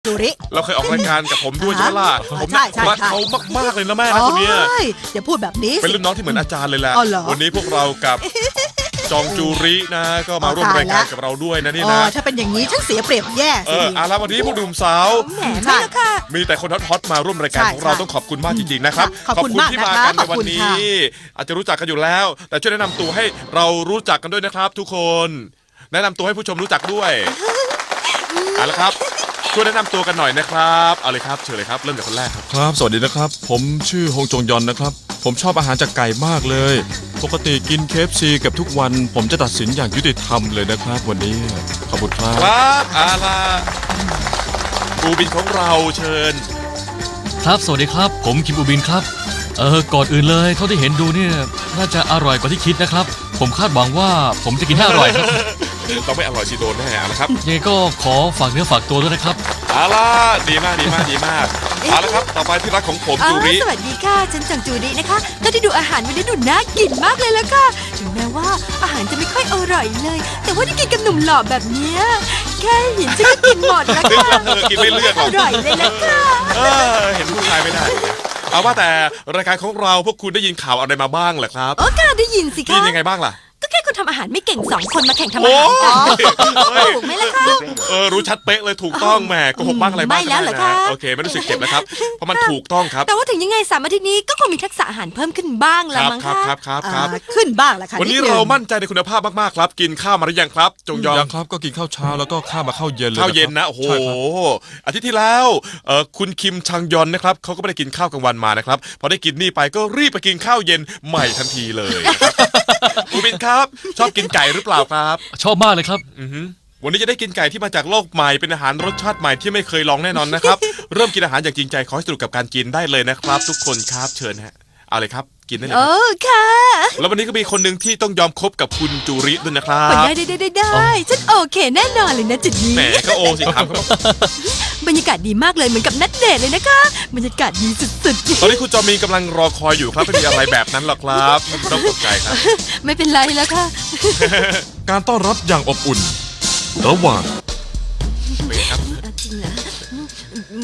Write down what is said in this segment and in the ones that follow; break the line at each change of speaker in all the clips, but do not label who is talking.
จูริ
เราเคยออกรายการกับผมด้วยใช่ไหมล่ะผม
ใช่
รักเขามากๆเลยนะแม่นะคนนี้
อย่าพูดแบบนี้
เป็นรุ่นน้องที่เหมือนอาจารย์เลยแหละ
อ๋อเหรอ
วันนี้พวกเรากับจองจูรินะก็มาร่วมรายการกับเราด้วยนะนี่นะ
ถ้าเป็นอย่างนี้ฉันเสียเปรียบแย่สิ
แล้ววันนี้พวกหนุ่มสาว
แหมใช่ค่ะ
มีแต่คนฮอตๆมาร่วมรายการของเราต้องขอบคุณมากจริงๆนะครับ
ขอบคุณมาก
ที่
นะ
มา
คะ
กันในวัน
ขอบคุณ
นี้
ค่ะ
อาจจะรู้จักกันอยู่แล้ว แต่ช่วยแนะนำตัวให้เรารู้จักกันด้วยนะครับ ทุกคนแนะนำตัวให้ผู้ชมรู้จักด้วยเอาละครับช่วยแนะนำตัวกันหน่อยนะครับเอาเลยครับเชิญเลยครับเริ่มจากคนแรกครับ
ครับสวัสดีนะครับผมชื่อฮงจงยอนนะครับผมชอบอาหารจากไก่มากเลยปกติกิน KFC กับทุกวันผมจะตัดสินอย่างยุติธรรมเลยนะครับวันนี้ขอบคุณครับ
ครับอาล่ะบูบินของเราเชิญ
ครับสวัสดีครับผมคิมบูบินครับก่อนอื่นเลยเท่าที่เห็นดูเนี่ยน่าจะอร่อยกว่าที่คิดนะครับผมคาดหวังว่าผมจะกินให้อร่อยครับ
ต้องไม่อร่อยสิโดนแน่เอาละครับ
ยังไงก็ขอฝากเนื้อฝากตัวด้วยนะครับ
เอาล่ะดีมากเอาละครับต่อไปที่รักของผมจูริ
สวัสดีค่ะ ฉันจังจูรินะคะเท่าที่ดูอาหารวันนี้ดูน่ากินมากเลยละค่ะ ถึงแม้ว่าอาหารจะไม่ค่อยอร่อยเลย แต่ว่าได้กินกับหนุ่มหล่อแบบเนี้ยแค่เห็นฉันก็กินหมดแล้วค่ะ
กินไม่เลือกหร
อ
อก
ร่อยเลยละค่ะ
เห็นผู้ชายไม่ได้เลยนะเอาว่าแต่รายการของเราพวกคุณได้ยินข่าวอะไรมาบ้างเหรอครับ
โอ้ค่ะได้ยินสิ
ได้ยิ
คะ
นยังไงบ้างล่ะ
ก็แค่คนทำอาหารไม่เก่ง2 คนมาแข่งทำ
โอ้
อาหารกัน
ย
ถูกไหมล่ะคะ
รู้ชัดเป๊ะเลยถูกต้องแหมโกหกบ้างอะไรบ้าง
ไม่แล้วเหรอ
ก็
คะ
ได้นะโอเคไม่รู้สึกเจ็บนะครับเพราะมันถูกต้องครับ
แต่ว่าถึงยังไง3 อาทิตย์นี้ก็คงมีทักษะอาหารเพิ่มขึ้นบ้าง
ค
ละ
รับ
มั้ง
ครับ
คะ
ครับ
ขึ้นบ้างละค่ะ
วันนี้
ดง
เรามั่นใจในคุณภาพมากๆครับ กินข้าวมาหรือยังครับ จงยอง
ยังครับก็กินข้าวเช้าแล้วก็ข้ามมาข้าวเย็นเลย
ข้าวเย็นนะโอ้โห
ใช่ครับ
อาทิตย์ที่แล้วคุณคิมชังยอนนะครับเขาก็ไม่ได้กินข้าวกลางวันมานะครับพอได้กินนี่ไปก็รีบไปกินข้าวเย็นใหม่ทันทีเลยนะครับอูบินครับชอบกินไก่หรือเปล่าครับ
ชอบมากเลยครับ
วันนี้จะได้กินไก่ที่มาจากโลกใหม่เป็นอาหารรสชาติใหม่ที่ไม่เคยลองแน่นอนนะครับ เริ่มกินอาหารอย่างจริงใจขอให้สนุกกับการกินได้เลยนะครับ ทุกคนครับเชิญฮะเอาเลยครับกินได้เลยค
โอ้
รับ
ค่ะ
แล้ววันนี้ก็มีคนหนึ่งที่ต้องยอมคบกับคุณจูริด้วยนะครั
ผล
บ
ได้ฉันโอเคแน่นอนเลยนะจุดนี้
แหมก็โอสิครับ
บรรยากาศดีมากเลยเหมือนกับนัดเดทเลยนะคะ บรรยากาศดีสุด
ตอนนี้คุณจอมีนกำลังรอคอยอยู่ครับไม่มีอะไรแบบนั้นหรอกครับไม่ต้องตกใจครับ
ๆ ไม่เป็นไรแล้วค่ะ
การต้อนรับอย่างอบอุ่น ระหว่าง
เป็นไงครับ
จริงเหรอ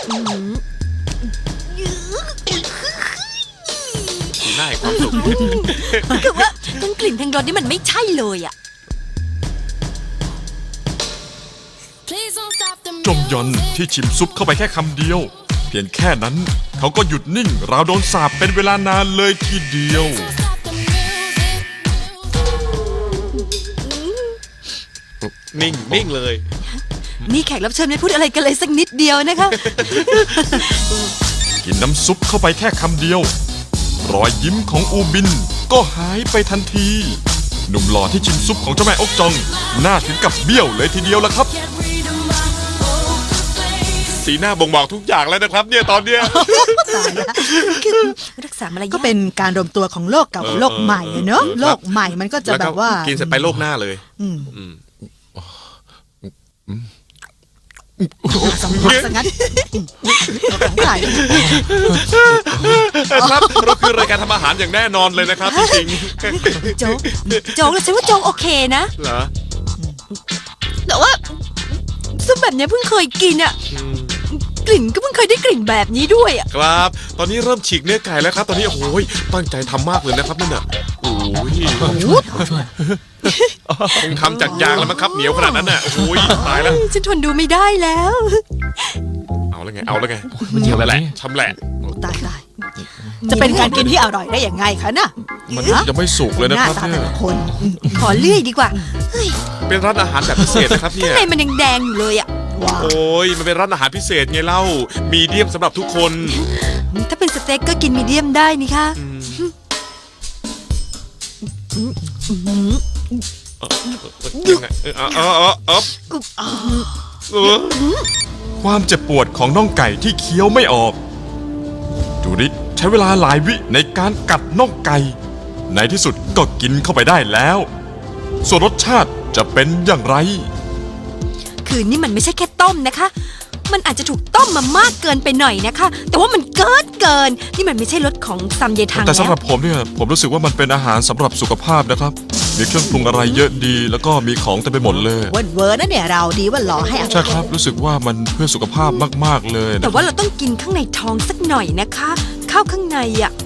สีหน้าแห่งความสุข
คือว่าทั้งกลิ่นทั้งรสนี่มันไม่ใช่เลยอ่ะ
จงยอนที่ชิมซุปเข้าไปแค่คำเดียว เพียงแค่นั้นเขาก็หยุดนิ่งราวโดนสาปเป็นเวลานานเลยทีเดียว
นิ่งเลย
นี่แขกรับเชิญไม่พูดอะไรกันเลยสักนิดเดียวนะคะ
กินน้ำซุปเข้าไปแค่คำเดียว รอยยิ้มของอูบินก็หายไปทันที หนุ่มหล่อที่ชิมซุปของเจ้าแม่อกจองหน้าถึงกับเบี้ยวเลยทีเดียวละครับ
สีหน้าบ่งบอกทุกอย่างแล้วนะครับ เนี่ยตอนเนี้ย
ตายละ
คือรักษามารยาท
ก็เป็นการรวมตัวของโลกเก่ากับโลกใหม่เนอะโลกใหม่มันก็จะแบบว่า
กินเสร็จไปโลกหน้าเลย
สำลักซะงั้นของใส่
ครับเราคือรายการทำอาหารอย่างแน่นอนเลยนะครับจริง
โจ๊กแล้วฉันว่าโจ๊กโอเคนะ
ๆเหรอ
แต่ว่าซุปแบบเนี้ยเพิ่งเคยกินอ่ะ กลิ่นก็เพิ่งเคยได้กลิ่นแบบนี้ด้วยอ่ะ
ครับ ตอนนี้เริ่มฉีกเนื้อไก่แล้วครับ ตอนนี้โอ้โหตั้งใจทำมากเลยนะครับนั่นน่ะโอ้ยคงทำจากยางแล้วมั้งครับเหนียวขนาดนั้นน่ะโอ้ยตายแล้ว
ฉันทนดูไม่ได้แล้ว
เอาแล้วไงเอาแล้วไง
มันเยอะแบบ
แหละ
นี้
ชำแหละ
ตายจะเป็นการกินที่อร่อยได้อย่างไงคะน่ะ
มันยังไม่สุกเลยนะ
หน้า
ครับ
ตา
เนี่
แต่
ย
ละคน
ขอเลื่อยดีกว่า เฮ้ย
เป็นร้านอาหารแบบพิเศษนะครับเนี่ย
ข้างในมันยังแดงอยู่เลยอ่ะ
ว้าว
โอ้ยมันเป็นร้านอาหารพิเศษไงเล่า มีเดียมสำหรับทุกคน
ถ้าเป็นสเต็กก็กินมีเดียมได้นี่ค่ะ
ยังไง
ความเจ็บปวดของน่องไก่ที่เคี้ยวไม่ออกจูริใช้เวลาหลายวิในการกัดน่องไก่ ในที่สุดก็กินเข้าไปได้แล้ว ส่วนรสชาติจะเป็นอย่างไร
คือนี่มันไม่ใช่แค่ต้มนะคะมันอาจจะถูกต้มมามากเกินไปหน่อยนะคะ แต่ว่ามันเกินนี่มันไม่ใช่รสของซัมเยทัง
แต่สำห
แล้
รั
ว
บผมเนี่ยผมรู้สึกว่ามันเป็นอาหารสำหรับสุขภาพนะครับมีเครื่องปรุงอะไรเยอะดีแล้วก็มีของเต็มไปหมดเลย
เวิร์ดนะเนี่ยเราดีว่าหล่อให้อ
ใช่ครับรู้สึกว่ามันเพื่อสุขภาพมากๆเลยนะ
แต่ว่าเราต้องกินข้างในท้องสักหน่อยนะคะข้าวข้างในอ่ะ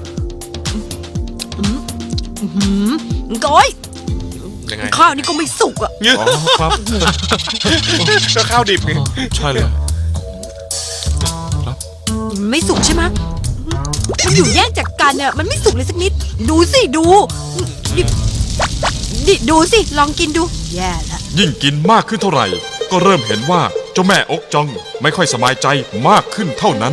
ก้อย
ยังไง
ข้าวนี่ก็ไม่สุกอ่ะ
อ๋อครับ
ก็ข้าวดิบไง
ใช่เลย
ไม่สุกใช่ไหมมันอยู่แยกจากกันเนี่ยมันไม่สุกเลยสักนิด ดูสิดูดูสิลองกินดู
แย่ละ
ยิ่งกินมากขึ้นเท่าไหร่ ก็เริ่มเห็นว่าเจ้าแม่อกจองไม่ค่อยสบายใจมากขึ้นเท่านั้น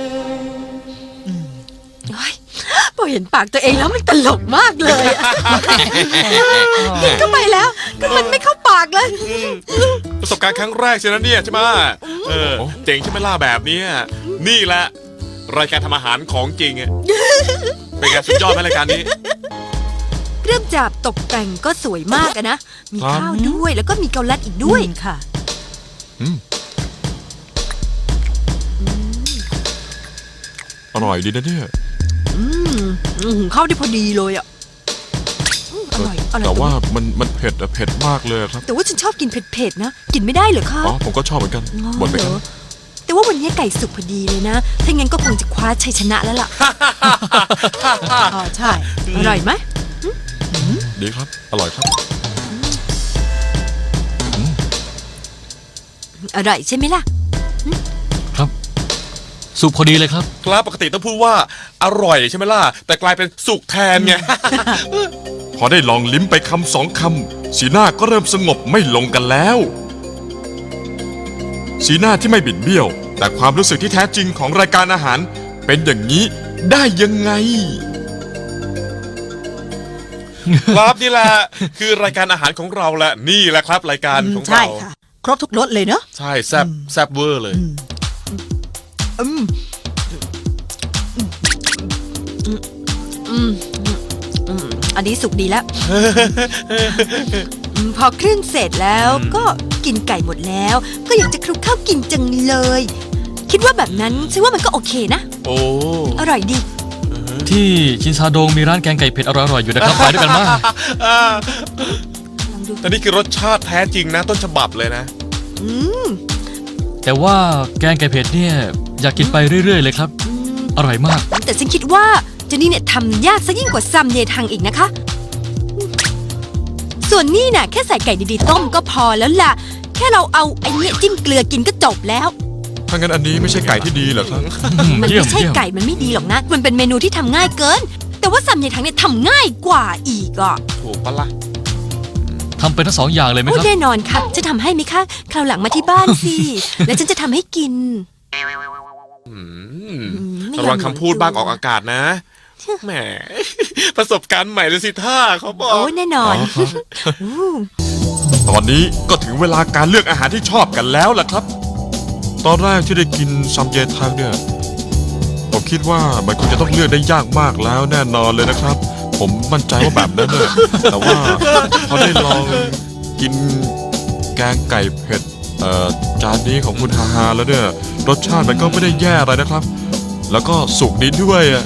โอ๊ยพอเห็นปากตัวเองแล้วมันตลกมากเลยอะกินเข้าไปแล้วก็มันไม่เข้าปากเลย
ประสบการณ์ครั้งแรกใช่ไหมเนี่ยใช่ไหมเจ๋งใช่ไหมล่ะแบบเนี้ยนี่แหละรายการทำอาหารของจริงอะเป็นไงสุดยอดไหมรายการนี้
เครื่องจับตกแต่งก็สวยมากอะนะ มี
ครับ
ข้าวด้วยแล้วก็มีเกาลัดอีกด้วย
ค่ะ
อร่อยดีนะเนี่ย
ข้าวได้พอดีเลยอ่ะอร่อยอร่อย
แต่ว่ามันเผ็ดอะเผ็ดมากเลยครับ
แต่ว่าฉันชอบกินเผ็ดๆนะ กินไม่ได้เหรอคะ
อ๋อผมก็ชอบเหมือนกันหมดไปครับ
เหรอแต่ว่าวันนี้ไก่สุกพอดีเลยนะ ถ้างั้นก็คงจะคว้าชัยชนะแล้วล่ะ
อ๋อใช่
อร่อยไหม
ดีครับ อร่อยครับ
อร่อยใช่ไหมล่ะ
สุกพอดีเลยครับ
ครับปกติต้องพูดว่าอร่อยใช่ไหมล่ะแต่กลายเป็นสุกแทนไง
พอได้ลองลิ้มไปคำสองคำสีหน้าก็เริ่มสงบไม่ลงกันแล้ว สีหน้าที่ไม่บิดเบี้ยว แต่ความรู้สึกที่แท้จริงของรายการอาหาร เป็นอย่างนี้ได้ยังไง
ครับนี่แหละคือรายการอาหารของเราแหละนี่แหละครับ รายการของ
ใช่
เรา
ค่ะ ครบทุกรสเลยเนอะ
ใช่แซบแซบเวอร์เลย
อันนี้สุกดีแล้ว พอเครื่องเสร็จแล้วก็กินไก่หมดแล้ว ก็อยากจะคลุกข้าวกินจังเลย คิดว่าแบบนั้นฉันว่ามันก็โอเคนะ
โอ้
อร่อยดี
ที่ชินซาโดงมีร้านแกงไก่เผ็ดอร่อยๆอยู่นะครับ ไปด้วยกันมา
ลองดู
แต่นี่คือรสชาติแท้จริงนะต้นฉบับเลยนะ
แต่ว่าแกงไก่เผ็ดเนี่ยอยากกินไปเรื่อยๆเลยครับ อร่อยมาก
แต่ฉันคิดว่าเจนี่เนี่ยทำยากซะยิ่งกว่าซัมเยทังอีกนะคะ ส่วนนี่น่ะแค่ใส่ไก่ดีๆต้มก็พอแล้วล่ะ แค่เราเอาไอ้เนี่ยจิ้มเกลือกินก็จบแล้ว
ถ้างั้นอันนี้ไม่ใช่ไก่ที่ดีเหรอครับ
มัน
เยี่ยม
ไม่ใช่
เยี่ยม
ไก่มันไม่ดีหรอกนะ มันเป็นเมนูที่ทำง่ายเกิน แต่ว่าซัมเยทังเนี่ยทำง่ายกว่าอีกอ่ะ
ถูกปะล่ะ
ทำเป็นทั้งสองอย่างเลยไหม
พูด
ครับ
แน่นอนค่ะ จะทำให้ไหมคะ คราวหลังมาที่บ้านสิ แล้วฉันจะทำให้กิน ไม่
ระวังคำพูดบ้างออกอากาศนะแหม ประสบการณ์ใหม่เลยสิท่าเขาบอก
โอ้ยแน่นอน
ตอนนี้ก็ถึงเวลาการเลือกอาหารที่ชอบกันแล้วล่ะครับ ตอนแรกที่ได้กินซัมเยทังเนี่ยผมคิดว่ามันคงจะต้องเลือกได้ยากมากแล้วแน่นอนเลยนะครับ ผมมั่นใจว่าแบบนั้นเลยแต่ว่าพอได้ลองกินแกงไก่เผ็ดจานนี้ของคุณฮาฮาแล้วเนี่ยรสชาติมันก็ไม่ได้แย่อะไรนะครับ แล้วก็สุกดีด้วยอะ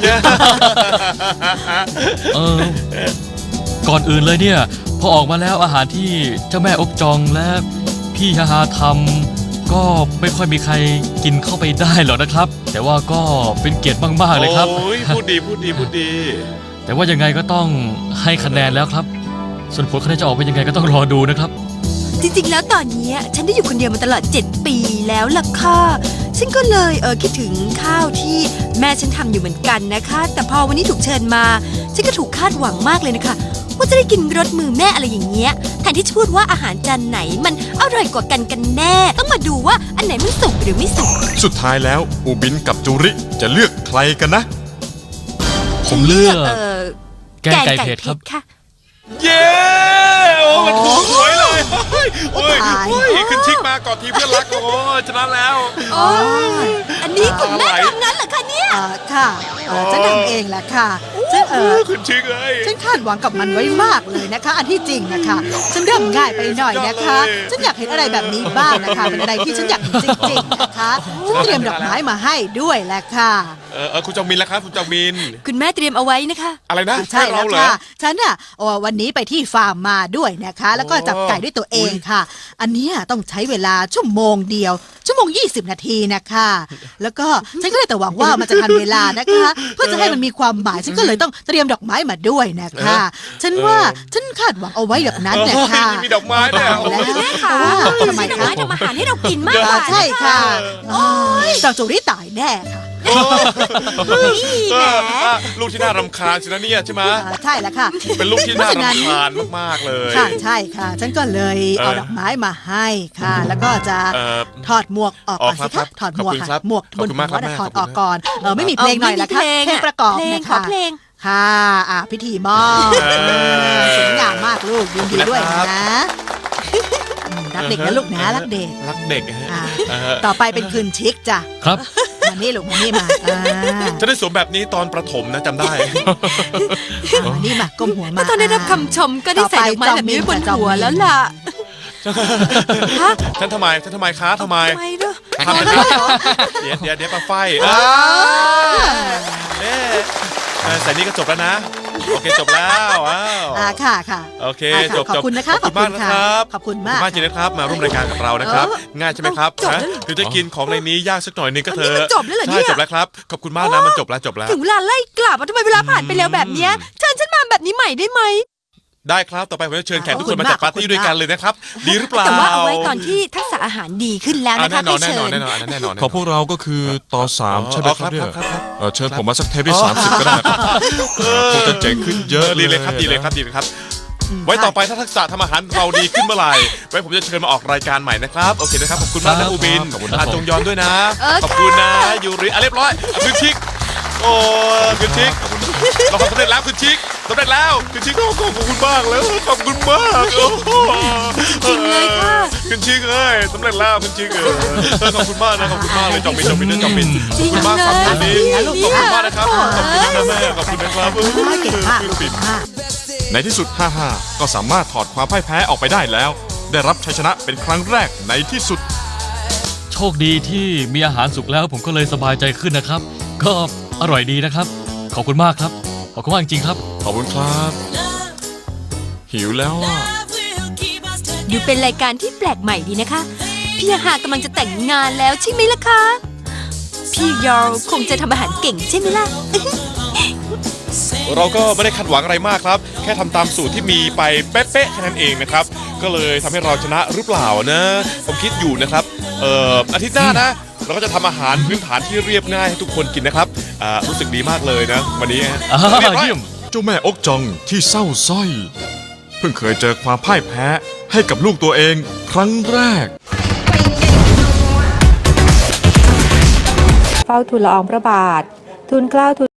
เออก่อนอื่นเลยเนี่ยพอออกมาแล้วอาหารที่เจ้าแม่อกจองและพี่ฮาฮาทำก็ไม่ค่อยมีใครกินเข้าไปได้หรอกนะครับ แต่ว่าก็เป็นเกียรติมากๆเลยครับ
โอ้ยพูดดีพูดดีพูดดี
แต่ว่ายังไงก็ต้องให้คะแนนแล้วครับ ส่วนผลคะแนนจะออกเป็นยังไงก็ต้องรอดูนะครับ
จริงๆ แล้วตอนเนี้ยฉันได้อยู่คนเดียวมาตลอด 7 ปีแล้วล่ะค่ะฉันก็เลยคิดถึงข้าวที่แม่ฉันทำอยู่เหมือนกันนะคะ แต่พอวันนี้ถูกเชิญมา ฉันก็ถูกคาดหวังมากเลยนะคะ ว่าจะได้กินรสมือแม่อะไรอย่างเงี้ยแทนที่จะพูดว่าอาหารจานไหนมันอร่อยกว่ากันแน่ ต้องมาดูว่าอันไหนมันสุกหรือไม่สุก
สุดท้ายแล้วอูบินกับจูริจะเลือกใครกันนะ
ผมเลือก
เออ
แกงไก่เผ็ดครับ
ค่ะ
เย้โอ้มันถูกหวยเลยโอ้ย
ตาย
โอ้ยขึ้นชิกมาก่อนทีเพื่อนรักโอ้ยชนะแล้ว
โอ้ยอันนี้คุณแม่ทำงั้นเหรอคะเนี่ย
ค่ะฉันทำเองแหละค่ะฉัน
คุณชิงเอ้ย
ฉันคาดหวังกับมันไว้มากเลยนะคะ อันที่จริงนะคะฉันเริ่มง่ายไปหน่อยนะคะ ฉันอยากเห็นอะไรแบบนี้บ้างนะคะ เป็นอะไรที่ฉันอยากเห็นจริงๆนะคะฉันเตรียมดอกไม้มาให้ด้วยแหละค่ะ
คุณจองมินแล้วครับคุณจองมิน
คุณแม่เตรียมเอาไว้นะคะ
อะไรนะ
ใช่
เรา
แล้ว
เหรอ
ค่ะฉันน่ะวันนี้ไปที่ฟาร์มมาด้วยนะคะ แล้วก็จับไก่ด้วยตัวเองค่ะ อันเนี้ยต้องใช้เวลาชั่วโมงเดียวชั่วโมง20 นาทีนะคะ แล้วก็ฉันก็เลยแต่หวังว่ามันจะทันเวลานะคะ เพื่อจะให้มันมีความหมายฉันก็เลยต้องเตรียมดอกไม้มาด้วยนะคะ ฉันว่าฉันคาดหวังเอาไว้แบบนั้นแหละค่ะ
มีดอกไม้ด้วย
แล้ว
แม่ค่ะ
ทำไม
ดอก
คะ
ไม้ทำอาหารให้เรากินมากกว่า
ใช่ค่ะจางโจรี่ตายแน่ค่ะ
ลูกที่น่ารำคาญสินะเนี่ยใช่ไหม
ใช่แล้วค่ะ
เป็นลูกที่น่ารำคาญมากๆเลย
ค่ะใช่ค่ะ ฉันก็เลยเอาดอกไม้มาให้ค่ะ แล้วก็จะถอดหมวกออกก่อนสิครับถอดหมวกค่ะหมวกบนหัวถอดออกก่อนไม่มีเพลงหน่อยละคะเพลงประกอบ
เพลง
นะ
ขอ
คะ
เพลง
ค่ะพิธีมอบสวยงามมากลูกยินดีด้วยนะรักเด็กนะลูกนะรักเด็ก
รักเด็กฮะ
ต่อไปเป็นคืนชิคจ้ะ
ครับ
มานี่ลูกมานี่มา
ฉันได้สวมแบบนี้ตอนประถมนะจำได้
นี่มาก้มหัวมา
ตอนได้รับคำชมก็ได้ใส่ดอกไม้แบบนี้บนหัวแล้วล่ะ
ฉันทำไมคะทำไม
ทำไมด้วย
ทำไมครับเดี๋ยวปลาไฟใส่นี่ก็จบแล้วนะโอเคจบแล้วว้าว
ค่ะ
โอเค
ค่ะ
จบ
ขอบคุณนะคะ
ขอบคุณมากนะครับ
ขอบคุณมาก
มากจริงนะครับมาร่วมรายการกับเรานะครับ ง่ายใช่ไหมครับ
จบ
ฮะ
แล้ว
ถึงจะกินของในนี้ยากสักหน่อยนึงก็เถ
อันนี้
อะ
มันจบแล้วเหรอเนี่ย
ใช่จบแล้วครับขอบคุณมากนะมันจบแล้ว
ถึงเวลาไล่กลับทำไมเวลาผ่านไปเร็วแบบเนี้ยเชิญฉันมาแบบนี้ใหม่ได้ไหม
ได้ครับต่อไปผมจะเชิญแขกทุกคนมาจัดปาร์ตี้ด้วยกันเลยนะครับดีหรือเปล่า
แต่ว่าเอาไว้ตอนที่ทักษะอาหารดีขึ้นแล้วนะคะ
แน่นอน
ให้
แน่
เชิ
นอน
ญ
แน่นอนอันนั้นแน่นอน
ของพวกเราก็คือตอน3ใช่ไหมครับเนี่ย
ครับ
เชิญผมมาสักเทปที่30ก็ได้ครับคงจะเจ๋งขึ้นเยอะ
ดีเลยครับดีเลยครับไว้ต่อไปถ้าทักษะทำอาหารเราดีขึ้นเมื่อไหร่ไว้ผมจะเชิญมาออกรายการใหม่นะครับโอเคนะครับขอบคุณมากนะอูบินจงยอนด้วยนะขอบคุณนะยูริเรียบร้อยคุณชิกโอ้คุณชิกเราสำเร็จแล้วคุณชิกสำเร็จแล้วคุณชิกขอบคุณมากเลยขอบคุณมากจริงเลยค่ะคุณชิกเอ้ยสำเร็จแล้วคุณชิกขอบคุณมากนะขอบคุณมากเลยจอมบินขอบคุณมากครับคุณบินขอบคุณมากนะครับขอบคุณนะแม่ขอบคุณนะครับ
เก่งมากลูกเก่งมาก
ในที่สุด55ก็สามารถถอดความพ่ายแพ้ออกไปได้แล้ว ได้รับชัยชนะเป็นครั้งแรกในที่สุด
โชคดีที่มีอาหารสุกแล้วผมก็เลยสบายใจขึ้นนะครับ ก็อร่อยดีนะครับ ขอบคุณมากครับ ขอบคุณมากจริงๆครับ
ขอบคุณครับ หิวแล้วอ่ะ
ดูเป็นรายการที่แปลกใหม่ดีนะคะ พี่ฮากำลังจะแต่งงานแล้วใช่ไหมล่ะคะ พี่ยอลคงจะทำอาหารเก่งใช่ไหมล่ะ
เราก็ไม่ได้คาดหวังอะไรมากครับแค่ทำตามสูตรที่มีไปเป๊ะๆแค่นั้นเองนะครับก็เลยทำให้เราชนะหรือเปล่านะผมคิดอยู่นะครับอาทิตย์หน้านะเราก็จะทำอาหารพื้นฐานที่เรียบง่ายให้ทุกคนกินนะครับรู้สึกดีมากเลยนะวันนี้ เรียบร้อย
เยี่ยม
เจ้าแม่อกจองที่เศร้าสร้อย เพิ่งเคยเจอความพ่ายแพ้ให้กับลูกตัวเองครั้งแรก
เฝ้าทูลละอองพระบาททูลเกล้าทูล